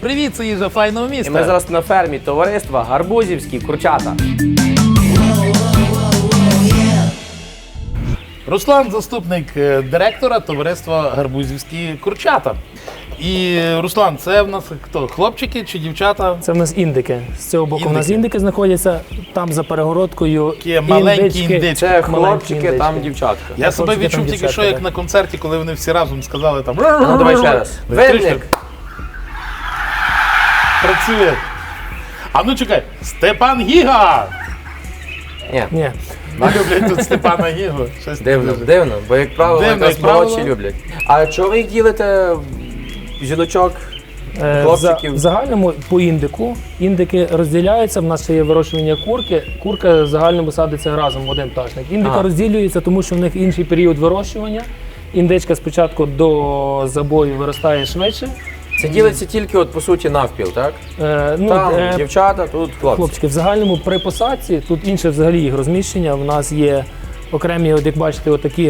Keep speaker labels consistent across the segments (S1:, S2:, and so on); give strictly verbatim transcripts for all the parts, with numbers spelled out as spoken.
S1: Привіт, це їжа файного міста.
S2: І ми зараз на фермі товариства Гарбузівські курчата.
S1: Руслан – заступник директора товариства Гарбузівські курчата. І, Руслан, це в нас хто? Хлопчики чи дівчата?
S3: Це в нас індики. З цього боку
S1: Індики.
S3: у нас індики знаходяться, там за перегородкою
S1: Такі маленькі індички.
S2: Це
S3: Маленькі
S2: хлопчики, там
S3: індички.
S2: дівчатка.
S1: Я себе
S3: хлопчики,
S1: відчув
S3: там
S1: тільки що,
S3: дівчатка,
S1: як
S3: так.
S1: на концерті, коли вони всі разом сказали там...
S2: Ну, давай ще раз. Винник.
S1: Працює. А ну чекай, Степан Гіга!
S2: Ні,
S3: Ні.
S1: Не люблять тут Степана Гігу. Щось
S2: дивно,
S1: дуже.
S2: дивно, бо як правило,
S1: Дивно,
S2: якраз
S1: як правило.
S2: молодші люблять. А чого ви їх ділите, жіночок?
S3: Е,
S2: Хлопчиків.
S3: В, за- в загальному по індику. Індики розділяються, в нас ще є вирощування курки. Курка в загальному садиться разом в один пташник. Індика
S2: Ага.
S3: розділюється, тому що в них інший період вирощування. Індичка спочатку до забою виростає швидше.
S2: Це ділиться тільки, от, по суті, навпіл, так?
S3: Е, ну,
S2: Там
S3: е,
S2: дівчата, тут хлопці.
S3: Хлопчики, в загальному при посадці, тут інше взагалі їх розміщення. В нас є окремі, от як бачите, отакі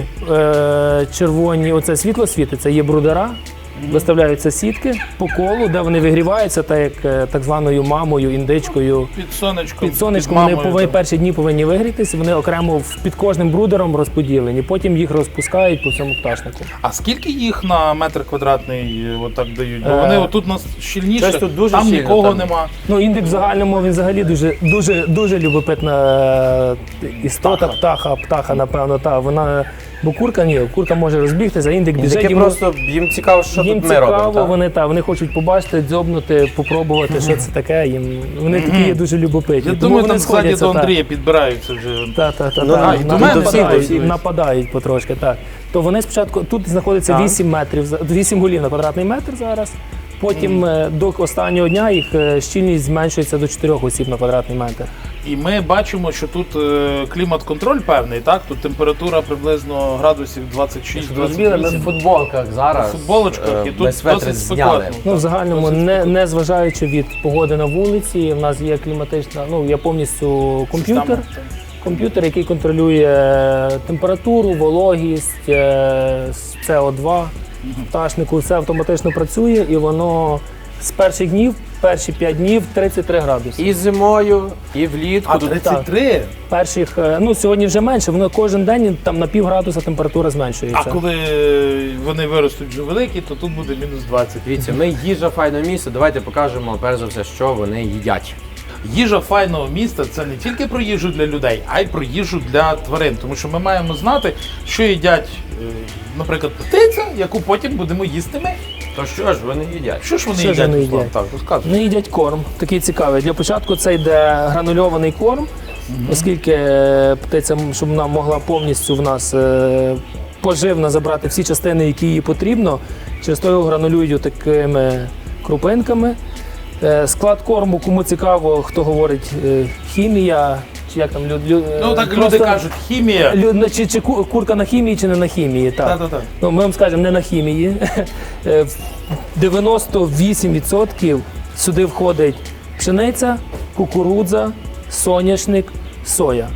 S3: е, червоні, оце світло світиться, є брудера. Виставляються сітки по колу, де вони вигріваються, так як е, так званою мамою, індичкою.
S1: Під сонечком,
S3: Під сонечком вони
S1: мамою,
S3: повинні,
S1: там.
S3: перші дні повинні вигрітися, вони окремо в- під кожним брудером розподілені, потім їх розпускають по всьому пташнику.
S1: А скільки їх на метр квадратний е, отак дають? Бо
S3: Е,
S1: вони отут у нас щільніше,
S2: щось тут дуже
S1: там
S2: щільно,
S1: нікого
S2: там.
S1: нема.
S3: Ну, індик в загальному він взагалі дуже, дуже, дуже любопитна е, істота, птаха, птаха, напевно, та вона. Бо курка ні, курка може розбігтися, а індик біжить.
S2: Таке
S3: йому-
S2: просто їм цікаво, що
S3: їм
S2: тут ми
S3: цікаво,
S2: робимо, так?
S3: вони та вони хочуть побачити, дзьобнути, попробувати, що це таке. Їм вони такі є дуже любопитні.
S1: Я
S3: Тому
S1: думаю,
S3: вони
S1: там ззаді
S3: сходяться,
S1: до
S3: та.
S1: Андрія підбираються вже.
S3: Та, та, та,
S2: Ну,
S3: та.
S2: а, і до мене
S3: нападають,
S2: всі, всі.
S3: нападають потрошки, так. То вони спочатку, тут знаходиться
S2: Так.
S3: вісім метрів, за- вісім голів на квадратний метр зараз. Потім е, до останнього дня їх е, щільність зменшується до чотирьох осіб на квадратний метр.
S1: І ми бачимо, що тут е, клімат-контроль певний, так? Тут температура приблизно градусів двадцять шість двадцять
S2: Розуміли, ми в
S1: вісім.
S2: футболках зараз.
S1: В футболочках,
S2: е,
S1: і тут
S2: ми светри
S1: досить
S2: зняли.
S1: спекотно.
S3: Ну, в загальному,
S1: Досить
S3: не,
S1: спекотно.
S3: не зважаючи від погоди на вулиці, в нас є кліматична, ну, є повністю комп'ютер.
S1: Система.
S3: Комп'ютер, який контролює температуру, вологість, е, С О два пташнику, все автоматично працює і воно з перших днів, перші п'ять днів тридцять три градуси.
S2: І зимою, і влітку.
S1: А
S2: Тут
S1: тридцять три?
S3: Перших, е, ну сьогодні вже менше, воно кожен день там на пів градуса температура зменшується.
S1: А коли вони виростуть вже великі, то тут буде мінус двадцять.
S2: Дивіться, ми їжа файного місця. Давайте покажемо перш за все, що вони їдять.
S1: Їжа файного міста – це не тільки про їжу для людей, а й про їжу для тварин. Тому що ми маємо знати, що їдять, е, наприклад, птиця, яку потім будемо їсти ми.
S2: То що ж вони їдять?
S1: Що ж вони
S3: Що ж
S1: їдять,
S3: вони
S1: Руслан?
S3: їдять?
S1: Так, розказуй.
S3: Вони їдять корм, такий цікавий. Для початку це йде гранульований корм, оскільки е, птиця, м, щоб вона могла повністю в нас е, поживно забрати всі частини, які їй потрібно, через то його гранулюють такими крупинками. Е, Склад корму, кому цікаво, хто говорить е, хімія, чи як там люд, люд,
S1: Ну так
S3: просто-
S1: люди кажуть, хімія.
S3: Лю- ну, чи, чи ку- курка на хімії, чи не на хімії. Так.
S1: Та-та-та.
S3: Ну, ми вам скажемо, не на хімії. Е, в дев'яносто вісім відсотків сюди входить пшениця, кукурудза, соняшник, соя.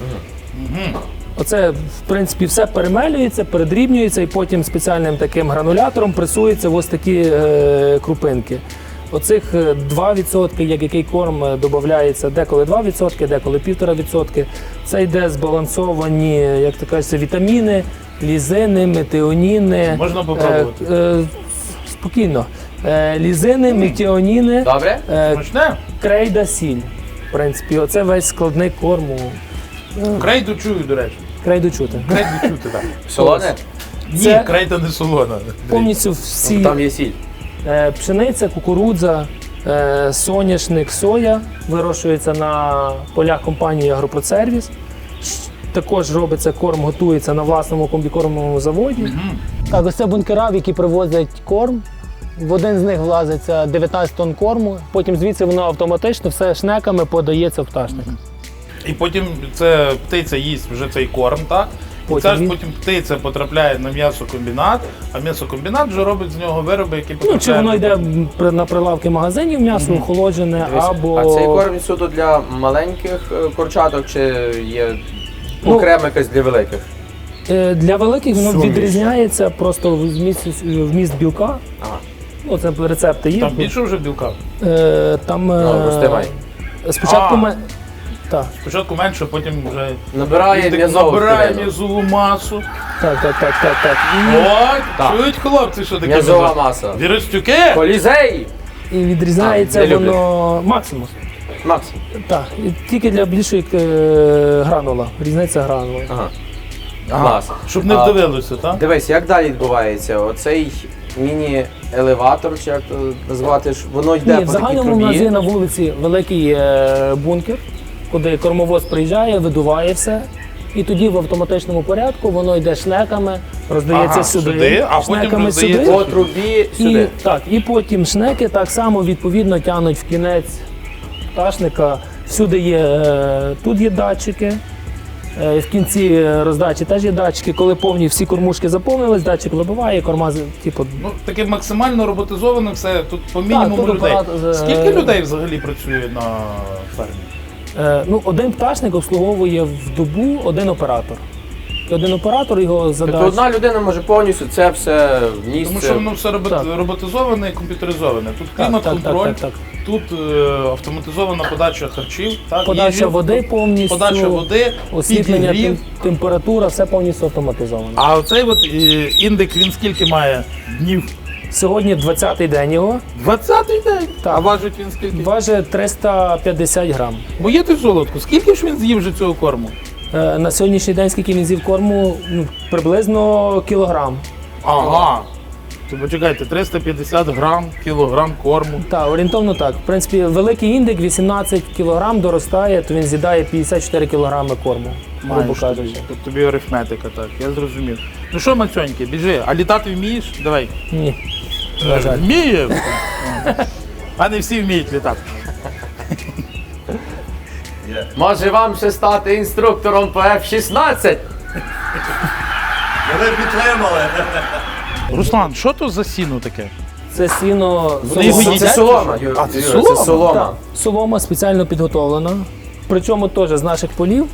S3: Оце, в принципі, все перемелюється, передрібнюється і потім спеціальним таким гранулятором пресується в ось такі е, крупинки. Оцих е, два відсотки, як який корм е, додається, деколи два відсотки, деколи півтора відсотки. Це йде збалансовані, як то кажеться, вітаміни, лізини, метіоніни.
S1: Можна попробувати?
S3: Е, е, спокійно. Е, лізини, метіоніни,
S2: Добре?
S3: е,
S1: Смачне?
S3: крейда, сіль. В принципі, оце весь складник корму.
S1: Крейду чую, до речі.
S3: Крейду чути.
S1: Крейду чути, так.
S2: Солоне?
S1: Ні,
S3: Це-
S1: крейда не солона.
S3: Повністю всі
S2: Там є сіль.
S3: е, пшениця, кукурудза, е, соняшник, соя вирощується на полях компанії Агропродсервіс. Ш- Також робиться корм, готується на власному комбікормовому заводі. Так, ось це бункера, в які привозять корм. В один з них влазиться дев'ятнадцять тонн корму, потім звідси воно автоматично все шнеками подається в пташник.
S1: І потім це птиця їсть вже цей корм, так? І
S3: Потім
S1: це ж
S3: він-
S1: потім птиця потрапляє на м'ясокомбінат, а м'ясокомбінат вже робить з нього вироби, які
S3: Ну,
S1: потрапляють.
S3: чи воно йде
S1: на-
S3: при- на прилавки магазинів, м'ясо охолоджене,
S2: Дивись,
S3: або...
S2: А цей корм суто для маленьких е, курчаток чи є
S3: Ну,
S2: окрема якась для великих?
S3: Е, Для великих воно
S1: Суміш.
S3: відрізняється просто вміст, вміст білка.
S2: Ага.
S3: Ну, це рецепти є.
S1: Там більше вже білка.
S3: Е, там е,
S2: Ну, розтивай.
S3: спочатку
S1: А.
S3: ми. Так,
S1: Спочатку менше, потім вже
S2: Набирає
S1: так
S2: м'язову
S1: набирає
S2: тканину.
S1: м'язову масу.
S3: так, так, так, так, так. І,
S1: От,
S2: Так.
S1: чують хлопці, що таке
S2: М'язова
S1: м'язо?
S2: маса.
S1: Віростюки?
S2: Колізей!
S3: і відрізняється
S2: А, я люблю.
S3: воно максимум.
S2: Макс.
S3: Так, і тільки для більшої е, гранула. Різниця гранула.
S2: Ага.
S1: Ага,
S2: Клас.
S1: щоб не
S2: А,
S1: вдивилося, так?
S2: Дивись, як далі відбувається? Оцей міні-елеватор, чи як то назвати, ж, воно йде
S3: Ні, в
S2: по такій
S3: загальному у нас є
S2: трубі.
S3: на вулиці великий е, бункер, куди кормовоз приїжджає, видуває все. І тоді в автоматичному порядку воно йде шнеками, роздається
S1: Ага,
S3: сюди,
S1: сюди, а потім
S3: шнеками
S1: роздається
S3: сюди.
S2: По трубі
S3: І,
S2: сюди.
S3: так, і потім шнеки так само відповідно тягнуть в кінець пташника. Всюди є, е, тут є датчики. Е, В кінці роздачі теж є датчики. Коли повні всі кормушки заповнились, датчик вибиває, корма з- типу,
S1: Ну, таке максимально роботизоване все, тут по мінімуму
S3: тут
S1: людей.
S3: апарат, е,
S1: Скільки людей взагалі працює на фермі?
S3: Е, ну, один пташник обслуговує в добу один оператор. І один оператор його
S2: Тобто
S3: задача.
S2: одна людина може повністю це все в
S1: Тому
S2: місце.
S1: що воно все робот-
S3: Так.
S1: роботизоване і комп'ютеризоване. Тут
S3: Так,
S1: клімат-контроль,
S3: так, так, так,
S1: тут е, автоматизована подача харчів, так,
S3: Подача
S1: їжі,
S3: води повністю,
S1: подача води,
S3: освітлення,
S1: підігрів.
S3: тем- температура, все повністю автоматизовано.
S1: А оцей от е, індик, він скільки має днів?
S3: Сьогодні двадцятий день його,
S1: двадцятий день.
S3: Так.
S1: А важить він скільки?
S3: важить триста п'ятдесят грам.
S1: Моє ти золотко, скільки ж він з'їв вже цього корму?
S3: Е, на сьогоднішній день, скільки він з'їв корму, ну, приблизно кілограм.
S1: Ага. То почекайте, триста п'ятдесят грам, кілограм корму.
S3: Так, орієнтовно так. В принципі, великий індик вісімнадцять кілограм доростає, то він з'їдає п'ятдесят чотири кілограми корму, грубо
S1: Маєш
S3: кажучи.
S1: тобі. Тут тобі арифметика, так, я зрозумів. Ну що, Мацьоньки, біжи, а літати вмієш? Давай.
S3: Ні, на жаль.
S1: Вміє. А не всі вміють літати.
S2: Може вам ще стати інструктором по еф шістнадцять?
S4: Ми підтримали.
S1: Руслан, що то за сіно таке?
S3: Це сіно
S1: Вони його
S3: солома.
S1: їдять?
S2: Це солома, Юр,
S1: А, це
S2: Юр,
S1: солома?
S2: Це солома.
S3: Так, солома спеціально підготовлена. Причому теж з наших полів.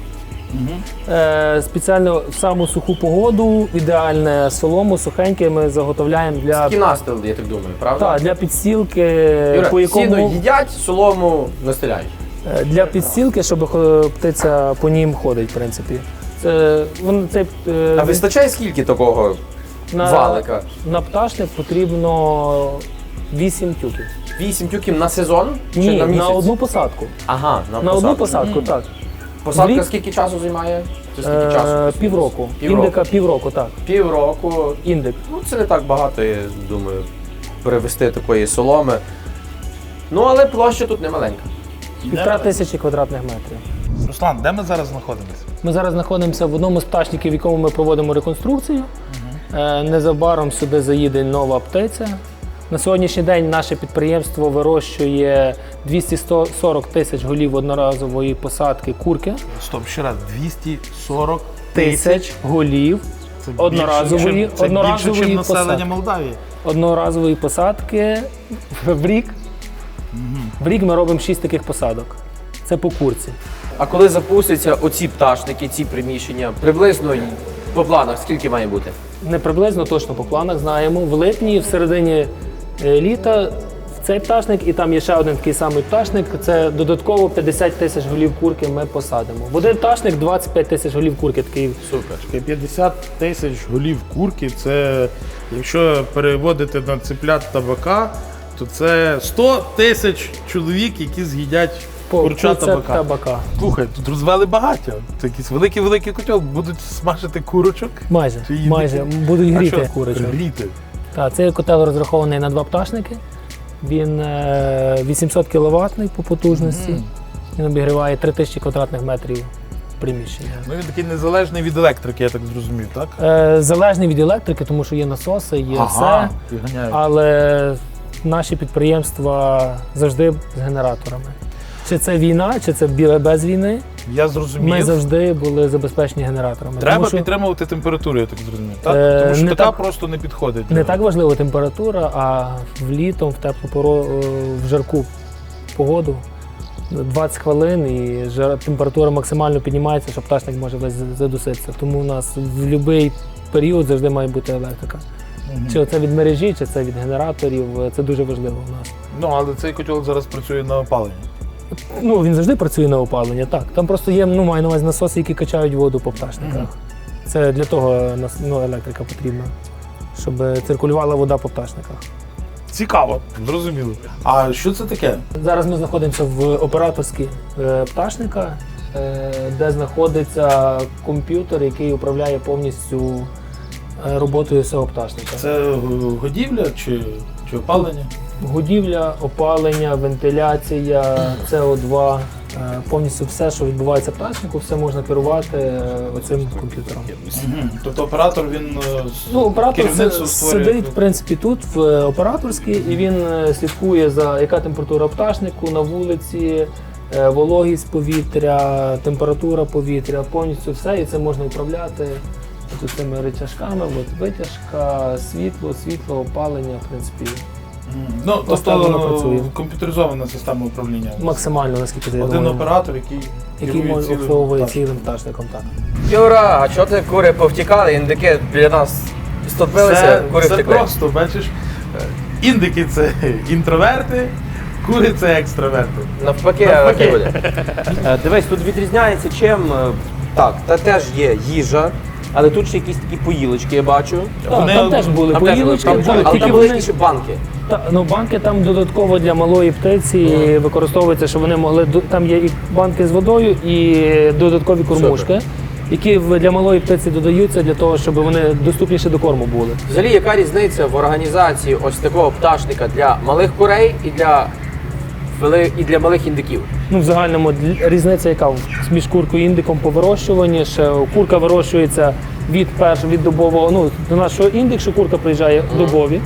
S3: Е, спеціально в саму суху погоду, ідеальне солому, сухеньке ми заготовляємо для,
S2: Кінастил, я так думаю, правда?
S3: та, для підстілки,
S2: Юра,
S3: по якому,
S2: сіно їдять, солому настеляють.
S3: е, для підстілки, щоб е, птиця по нім ходить, в принципі. Це, вон, це, е,
S2: А вистачає скільки такого
S3: на,
S2: валика?
S3: на пташник потрібно вісім тюків.
S2: Вісім тюків на сезон? Чи
S3: Ні,
S2: на
S3: на,
S2: місяць?
S3: одну посадку.
S2: Ага, на,
S3: На
S2: посадку.
S3: одну посадку, так.
S2: Посадка
S3: Рік?
S2: скільки часу займає? Чи скільки
S3: Е,
S2: часу?
S3: півроку.
S2: Півроку.
S3: Індика півроку, так.
S2: Півроку.
S3: Індик.
S2: Ну, це не так багато, я думаю, перевести такої соломи. Ну, але площа тут не маленька.
S3: Півтора тисячі квадратних метрів.
S1: Руслан, де ми зараз знаходимося?
S3: Ми зараз знаходимося в одному з пташників, в якому ми проводимо реконструкцію. Е, Незабаром сюди заїде нова птиця. На сьогоднішній день наше підприємство вирощує двісті сорок тисяч голів одноразової посадки курки.
S1: Стоп, ще раз, двісті сорок
S3: Тисяч голів
S1: Це
S3: одноразової,
S1: більше, чим- це
S3: одноразової
S1: більше, ніж населення
S3: посадки.
S1: Молдавії.
S3: Одноразової посадки в рік. В рік ми робимо шість таких посадок. Це по курці.
S2: А коли запустяться оці пташники, ці приміщення, приблизно по планах скільки має бути?
S3: Не приблизно, точно по планах знаємо. В липні, в середині е, літа, в цей пташник, і там є ще один такий самий пташник. Це додатково п'ятдесят тисяч голів курки ми посадимо. В один пташник двадцять п'ять тисяч голів курки. Такий
S2: Супер.
S1: п'ятдесят тисяч голів курки, це, якщо переводити на цеплят табака, то це сто тисяч чоловік, які з'їдять
S3: по
S1: курча
S3: курця
S1: табака.
S3: табака.
S1: Слухай, тут розвели багаття. Це якийсь великий-великий котел, будуть смажити курочок.
S3: Майже,
S1: Чи їдити?
S3: майже будуть
S1: А
S3: гріти
S1: що?
S3: курочок.
S1: Гріти.
S3: Так, цей котел розрахований на два пташники. Він е, вісімсот кіловатний по потужності.
S1: Мгм.
S3: Він обігріває три тисячі квадратних метрів приміщення.
S1: Ну він такий незалежний від електрики, я так зрозумів, так?
S3: Е, залежний від електрики, тому що є насоси, є все.
S1: і ганяють.
S3: Але наші підприємства завжди з генераторами. Чи це війна, чи це бі- без війни,
S1: Я зрозумів.
S3: ми завжди були забезпечені генераторами.
S1: Треба
S3: Тому що
S1: підтримувати температуру, я так зрозумів. Так?
S3: Е,
S1: Тому що
S3: не
S1: така
S3: так-
S1: просто не підходить.
S3: не так важлива температура, а в літом, в теплу пору, е, в жарку погоду двадцять хвилин і жар, температура максимально піднімається, що пташник може весь задуситися. Тому у нас в будь-який період завжди має бути електрика. Чи це від мережі, чи це від генераторів, це дуже важливо в нас.
S1: Ну, але цей котел зараз працює на опаленні.
S3: Ну, він завжди працює на опалення, так. Там просто є, ну, маю на увазі насоси, які качають воду по пташниках. Це для того нас- ну, електрика потрібна, щоб циркулювала вода по пташниках.
S1: Цікаво, зрозуміло. А що це таке?
S3: Зараз ми знаходимося в операторській е, пташника, е, де знаходиться комп'ютер, який управляє повністю е, роботою цього пташника.
S1: Це е, годівля чи, чи опалення?
S3: Годівля, опалення, вентиляція, С О два, е, повністю все, що відбувається в пташнику, все можна керувати е, оцим комп'ютером.
S1: Угу. Тобто оператор він е, з-
S3: Ну, оператор
S1: керівництво
S3: си-
S1: створює.
S3: сидить, в принципі, тут, в е, операторській, і він е, слідкує за яка температура пташнику на вулиці, е, вологість повітря, температура повітря, повністю все, і це можна управляти от цими рычажками, от витяжка, світло, світло, опалення, в принципі,
S1: Мгм. Ну,
S3: Ось так воно працює.
S1: тобто комп'ютеризована система управління.
S3: максимально, наскільки я
S1: Один
S3: думаю,
S1: оператор, який,
S3: який
S1: керує
S3: може
S1: цілим
S3: обслуговує
S1: пташником.
S3: цілим пташником. Так.
S2: Юра, а чого ти кури повтікали, індики біля нас стопилися,
S1: Це,
S2: кури
S1: це
S2: втекли?
S1: просто, бачиш, е, індики це інтроверти, кури це екстраверти.
S2: Навпаки,
S1: Навпаки.
S2: не буде. Е, Дивись, тут відрізняється чим. е, Так, та теж є їжа, але тут ще якісь такі поїлочки, я бачу.
S3: Так,
S1: Вони-
S3: там теж були
S2: Там теж
S3: поїлочки,
S2: були,
S3: були,
S2: але
S3: тільки
S2: там були
S3: вони...
S2: ще банки.
S3: Та, ну, банки там додатково для малої птиці використовуються, щоб вони могли до- там є і банки з водою, і додаткові кормушки, які в- для малої птиці додаються для того, щоб вони доступніше до корму були.
S2: Взагалі, яка різниця в організації ось такого пташника для малих курей і для, вели- і для малих індиків?
S3: Ну, в загальному дл- різниця, яка в- між куркою і індиком по вирощуванні. Ще курка вирощується від перш від добового. Ну, до нашого індик, що курка приїжджає добові.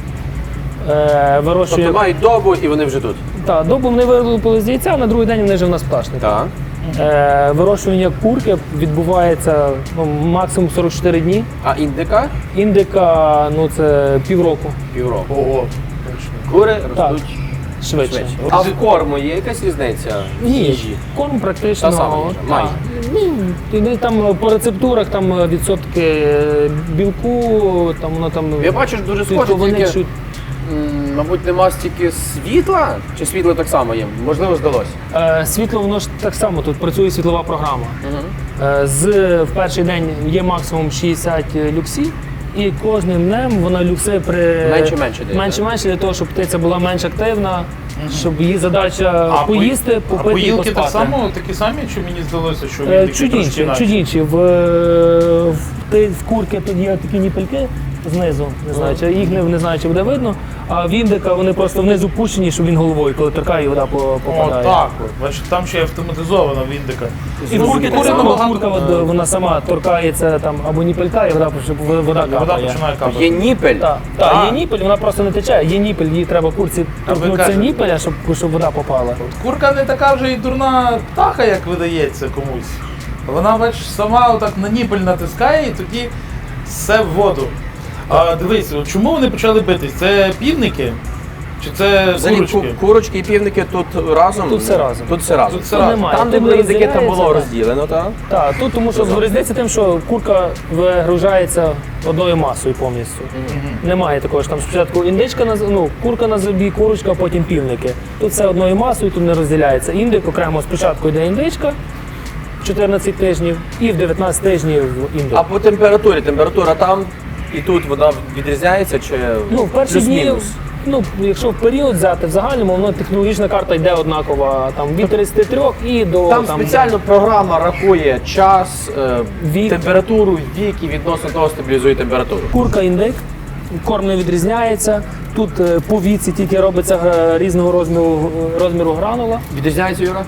S3: Е, вирощує
S2: Тобто мають добу і вони вже тут.
S3: та, добу вони вилупили з яйця, а на другий день вони вже в нас пташник.
S2: Так.
S3: Е, вирощування курки відбувається ну, максимум сорок чотири дні.
S2: А індика
S3: Індика ну це півроку
S2: півроку.
S1: Ого.
S2: Кури
S3: Так.
S2: ростуть
S3: швидше.
S2: швидше. А в корму є якась різниця? в
S3: Ні,
S2: їжі?
S3: корм практично
S2: Та сама їжа,
S3: так.
S2: майже.
S3: Ну, і там по рецептурах там відсотки білку, там воно там
S2: Я бачу, що дуже схоже,
S3: клітковини
S2: тільки,
S3: чуть.
S2: м, мабуть, нема стільки світла, чи світло так само є? Можливо, здалося.
S3: Е, світло, воно ж так само тут працює світлова програма. Е, з в перший день є максимум шістдесят люксів. І кожним днем вона люкси при
S2: Менше-менше дає,
S3: менше-менше для того, щоб птиця була менш активна, щоб її задача
S1: по-
S3: поїсти,
S1: а
S3: попити і
S1: поїлки
S3: поспати.
S1: так само такі самі, чи мені здалося, що
S3: Е,
S1: індики
S3: Чуть
S1: трошки
S3: інші,
S1: інакші?
S3: чуть інші. В, в, ти- в курки тут є такі ніпельки знизу, не знаю, чи їх не, не знаю, чи буде видно. А в індика вони просто внизу пущені, щоб він головою, коли торкає, вода по-
S1: О,
S3: попадає.
S1: так от. Бачиш, там ще й автоматизовано в індика.
S3: І в курки так
S1: Кури
S3: само,
S1: набагато-
S3: курка от, вона сама торкається там або ніпелька, і вода, щоб вода
S1: Вода
S3: капає.
S1: починає капати.
S2: Є ніпель.
S3: Так,
S1: Так.
S3: так, є ніпель, вона просто не тече. Є ніпель, їй треба курці торкнутися
S1: кажете.
S3: ніпеля, щоб, щоб вода попала.
S1: Курка не така вже і дурна птаха, як видається комусь. Вона, бачиш, сама отак на ніпель натискає і тоді все в воду. А дивись, от чому вони почали битись? Це півники? Чи це
S2: Взагалі,
S1: курочки?
S2: ку- курочки і півники тут разом.
S3: Тут все разом.
S2: Тут все разом.
S1: Тут все
S3: Тут
S1: разом.
S3: немає.
S2: Там, де
S3: Тут
S2: були
S3: не
S2: індики, там було
S3: розділяється,
S2: розділено, так?
S3: Так, тут тому що різниця тим, що курка вигружається одною масою повністю. Немає такого ж там спочатку індичка на з- ну, курка на зубі, курочка, а потім півники. Тут все одною масою, тут не розділяється. Індик окремо спочатку йде індичка чотирнадцять тижнів і в дев'ятнадцять тижнів індик.
S2: А по температурі, температура там і тут вона відрізняється чи
S3: Ну, в перші дні,
S2: плюс-мінус?
S3: ну, якщо в період взяти, в загальному, воно технологічна карта йде однакова там, від тридцяти трьох і до
S2: Там спеціально програма рахує час, е,
S3: Вік.
S2: температуру, вік і відносно того стабілізує температуру.
S3: курка індик, корм не відрізняється. Тут е, по віці тільки робиться е, різного розміру, розміру гранула.
S2: Відрізняється, Юра?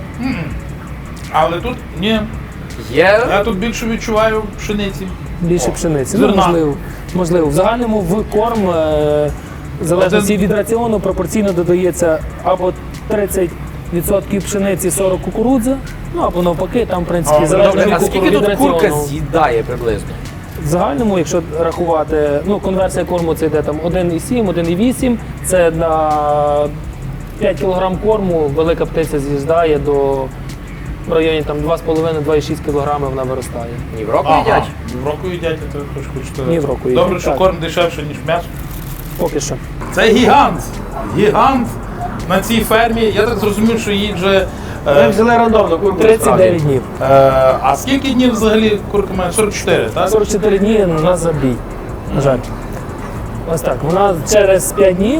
S1: Але тут ні.
S2: Є.
S1: Я тут більше відчуваю пшениці.
S3: Більше пшениці. Ну,
S1: зерна.
S3: можливо, можливо. В загальному в корм, е, в залежності
S1: Один-
S3: від раціону, пропорційно додається або тридцять відсотків пшениці, сорок кукурудзи, ну або навпаки, там, в принципі,
S1: А,
S3: залежно
S1: добре,
S3: від,
S2: А
S3: кукур-
S2: скільки
S3: від
S2: тут
S3: раціону.
S2: курка з'їдає приблизно?
S3: В загальному, якщо рахувати, ну, конверсія корму це йде там один і сім, один і вісім, це на п'ять кілограм корму велика птиця з'їжджає до в районі там два з половиною - два і шість кілограми вона виростає.
S2: Ні, в року
S1: Ага.
S2: їдять.
S1: В року їдять, то хоч хочете.
S3: Ні, в року
S1: Добре,
S3: їдять,
S1: що
S3: так.
S1: корм дешевше, ніж м'ясо.
S3: поки що.
S1: Це гігант. Гігант на цій фермі. Я так зрозумів, що їй вже.
S2: Ми
S1: Е,
S2: взяли рандомно курку.
S3: тридцять дев'ять днів.
S1: е, а скільки днів взагалі курка має? сорок чотири, так?
S3: сорок чотири дні у нас забій. На жаль. Ось так. Вона через п'ять днів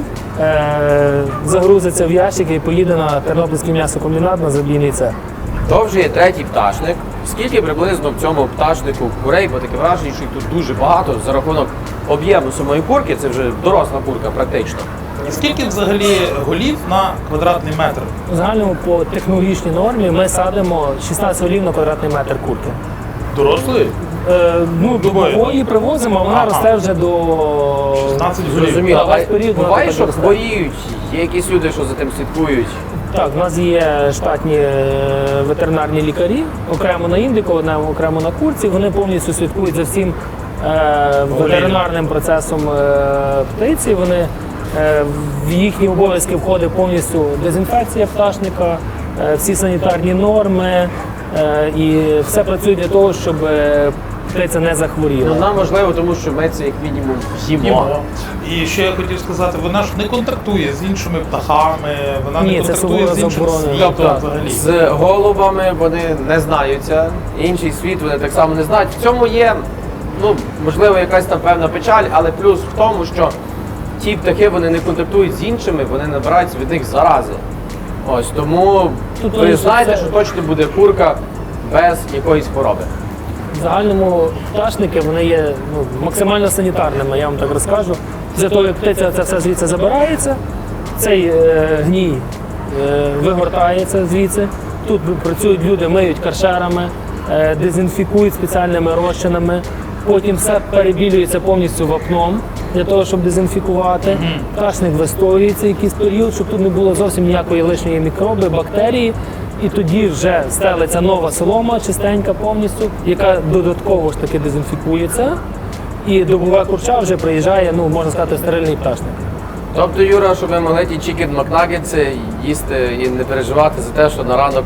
S3: е, загрузиться в ящик і поїде на Тернопільський м'ясокомбінат на забійний цех.
S2: То вже є третій пташник. Скільки приблизно в цьому пташнику курей, бо таке враження, що їх тут дуже багато за рахунок об'єму самої курки, це вже доросла курка практично.
S1: І скільки взагалі голів на квадратний метр?
S3: У загальному по технологічній нормі ми садимо шістнадцять голів на квадратний метр курки.
S1: Дорослої?
S3: Е, ну, до
S1: Любої?
S3: нової привозимо, а вона
S1: Ага.
S3: росте вже до
S1: шістнадцять голів.
S2: Зрозуміло.
S3: Так,
S2: А
S3: весь період вона
S2: буває,
S3: так
S2: що
S3: росте.
S2: хворіють, є якісь люди, що за тим слідкують.
S3: Так, у нас є штатні е, ветеринарні лікарі, окремо на індику, одне- окремо на курці. Вони повністю слідкують за всім е, ветеринарним процесом е, птиці. Вони, е, в їхні обов'язки входить повністю дезінфекція пташника, е, всі санітарні норми, е, і все працює для того, щоб е, птиця не захворіла.
S2: Ну, нам важливо, тому що ми це як мінімум їмо.
S1: Їмо. І ще я хотів сказати, вона ж не контрактує з іншими птахами, вона
S3: Ні,
S1: не
S3: це
S1: контрактує з
S3: суворо
S1: іншим
S3: заборонено.
S1: світом
S2: Тобто
S1: взагалі.
S2: з голубами вони не знаються, інший світ вони так само не знають. В цьому є, ну, можливо, якась там певна печаль, але плюс в тому, що ті птахи вони не контактують з іншими, вони набираються від них зарази. Ось тому
S3: Тут
S2: ви
S3: вони
S2: знаєте,
S3: це-
S2: що точно буде курка без якоїсь хвороби.
S3: В загальному пташники вони є ну, максимально санітарними, я вам так розкажу. Після того, як птиця це все звідси забирається, цей е, гній е, вигортається звідси. Тут працюють люди, миють каршерами, е, дезінфікують спеціальними розчинами. Потім все перебілюється повністю вапном для того, щоб дезінфікувати. Пташник вистоюється якийсь період, щоб тут не було зовсім ніякої лишньої мікроби, бактерії. І тоді вже стелиться нова солома, чистенька повністю, яка додатково ж таки дезінфікується. І добова курча вже приїжджає, ну можна сказати, стерильний пташник.
S2: Тобто, Юра, щоб ви могли ті чікен макнагетси їсти і не переживати за те, що на ранок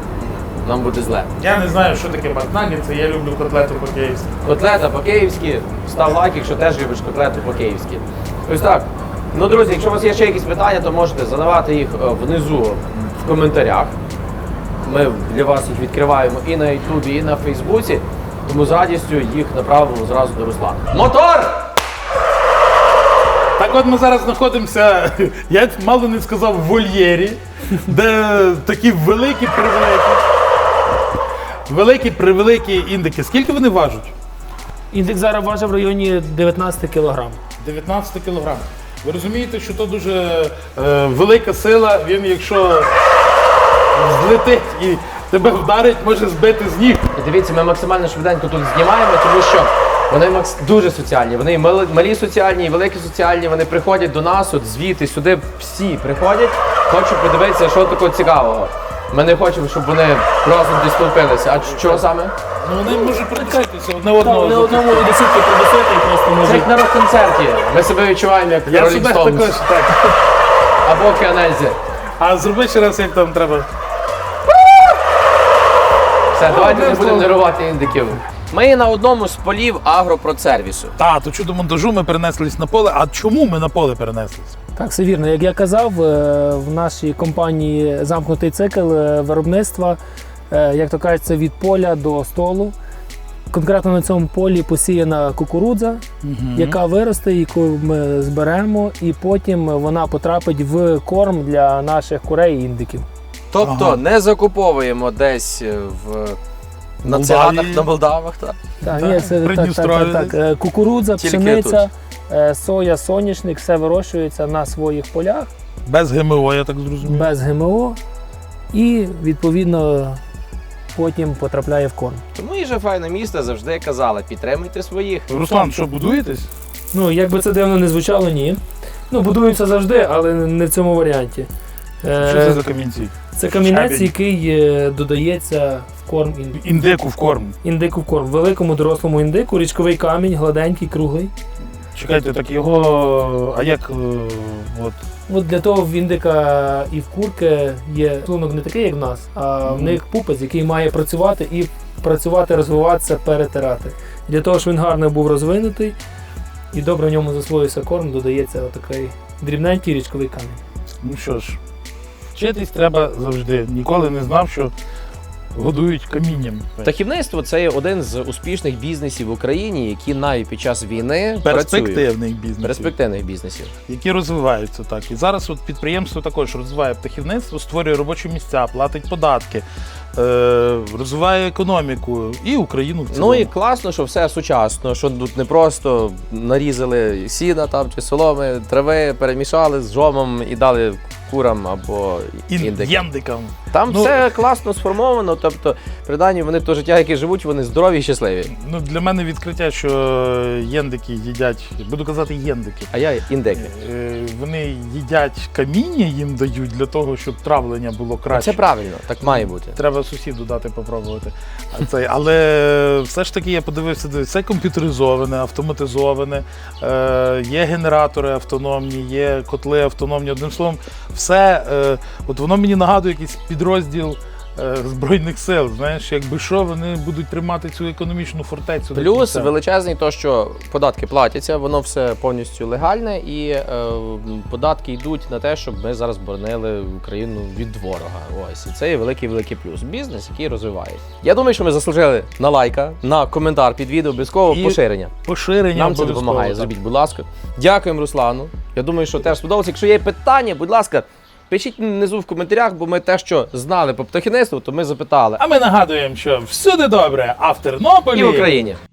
S2: нам буде зле.
S1: Я не знаю, що таке макнагетси, я люблю котлету по-київськи.
S2: Котлета по-київськи, став лайк, якщо теж любиш котлету по-київськи. Ось так. Ну, друзі, якщо у вас є ще якісь питання, то можете задавати їх е, внизу в коментарях. Ми для вас їх відкриваємо і на Ютубі, і на Фейсбуці, тому з радістю їх направимо зразу до Руслана. Мотор!
S1: Так от ми зараз знаходимося, я мало не сказав, в вольєрі, де такі великі превеликі, великі превеликі індики. Скільки вони важать?
S3: Індекс зараз важить в районі дев'ятнадцять кілограм.
S1: дев'ятнадцять кілограм. Ви розумієте, що то дуже е, велика сила, він якщо злетить і тебе вдарить, може збити з ніг.
S2: І дивіться, ми максимально швиденько тут знімаємо, тому що вони макс- дуже соціальні. Вони і мали- малі соціальні, і великі соціальні. Вони приходять до нас, от звідти, сюди всі приходять, хочуть подивитися, що такого цікавого. Ми не хочемо, щоб вони разом десь толпилися. А що саме?
S1: Ну вони можуть притискатися одне
S3: Так,
S1: одного.
S3: не одному і десятки придусити і просто
S2: Це
S3: може.
S2: як на рок-концерті. Ми себе відчуваємо як
S1: Я
S2: Rolling
S1: себе
S2: Stones
S1: також так.
S2: або Кенельзі.
S1: А зроби ще раз, як там треба.
S2: Все, давайте не
S1: одним
S2: будемо
S1: словом.
S2: нервувати індиків. Ми на одному з полів агропродсервісу.
S1: Та, то чудо монтажу ми перенеслись на поле. А чому ми на поле перенеслись?
S3: Так, все вірно. Як я казав, е, в нашій компанії замкнутий цикл е, виробництва, е, як то кажуть, це від поля до столу. Конкретно на цьому полі посіяна кукурудза, яка виросте, яку ми зберемо, і потім вона потрапить в корм для наших курей і індиків.
S2: Тобто
S1: Ага.
S2: не закуповуємо десь е, в на
S1: Молдавії.
S2: циганах, на Молдавах. Так.
S3: Так,
S1: Так,
S3: ні, це так, так,
S1: Придністров'я
S3: так, так. Е, Кукурудза,
S2: Тільки
S3: пшениця, е, соя, соняшник, все вирощується на своїх полях
S1: Без ГМО, я так зрозумів.
S3: без ГМО і відповідно потім потрапляє в корм.
S2: Тому і же файне місто завжди казала, підтримуйте своїх.
S1: Руслан, що будуєтесь?
S3: Ну, як би це дивно не звучало, ні. Ну, будуються завжди, але не в цьому варіанті. Е,
S1: Що це за камінці?
S3: Це камінець,
S1: Щебінь.
S3: який е, додається в корм ін-
S1: Індику в корм.
S3: індику в корм. Великому дорослому індику, річковий камінь, гладенький, круглий.
S1: Чекайте, так його. А як. е, От.
S3: От для того в індика і в курки є шлунок не такий, як в нас, а в
S1: Мгм.
S3: них пупець, який має працювати і працювати, розвиватися, перетирати. Для того, щоб він гарно був розвинутий, і добре в ньому засвоївся корм, додається отакий дрібненький річковий камінь.
S1: Ну що ж, вчитись треба завжди. Ніколи не знав, що годують камінням.
S2: Птахівництво це є один з успішних бізнесів в Україні, які навіть під час війни працюють.
S1: Перспективний бізнес.
S2: Перспективних бізнесів.
S1: Які розвиваються так. І зараз от підприємство також розвиває птахівництво, створює робочі місця, платить податки, е- розвиває економіку і Україну в цілому.
S2: Ну і класно, що все сучасно, що тут не просто нарізали сіна там чи соломи, трави, перемішали з жомом і дали курам або індикам.
S1: Індикам.
S2: Там
S1: Ну,
S2: все класно сформовано, тобто принаймні вони то життя, яке живуть, вони здорові і щасливі.
S1: Ну, для мене відкриття, що єндики їдять, буду казати єндики,
S2: А я індики.
S1: е- вони їдять каміння, їм дають для того, щоб травлення було краще.
S2: Це правильно, так має бути.
S1: Треба сусіду дати попробувати. А це, але все ж таки я подивився, все комп'ютеризоване, автоматизоване, е, є генератори автономні, є котли автономні. Одним словом, все, е, от воно мені нагадує якийсь підрозділ е, Збройних сил. Знаєш, якби що, вони будуть тримати цю економічну фортецю. до
S2: Плюс
S1: кінця.
S2: величезний то, що податки платяться, воно все повністю легальне, і е, податки йдуть на те, щоб ми зараз боронили Україну від ворога. Ось і це є великий великий плюс. Бізнес, який розвиває. Я думаю, що ми заслужили на лайка, на коментар під відео, обов'язково
S1: І
S2: поширення.
S1: Поширення
S2: Нам це
S1: обов'язково,
S2: допомагає.
S1: так.
S2: Зробіть, будь ласка. Дякуємо, Руслану. Я думаю, що теж сподобалося. Якщо є питання, будь ласка, пишіть внизу в коментарях, бо ми те, що знали по птахівництву, то ми запитали.
S1: А ми нагадуємо, що всюди добре, а в Тернополі...
S2: І в Україні.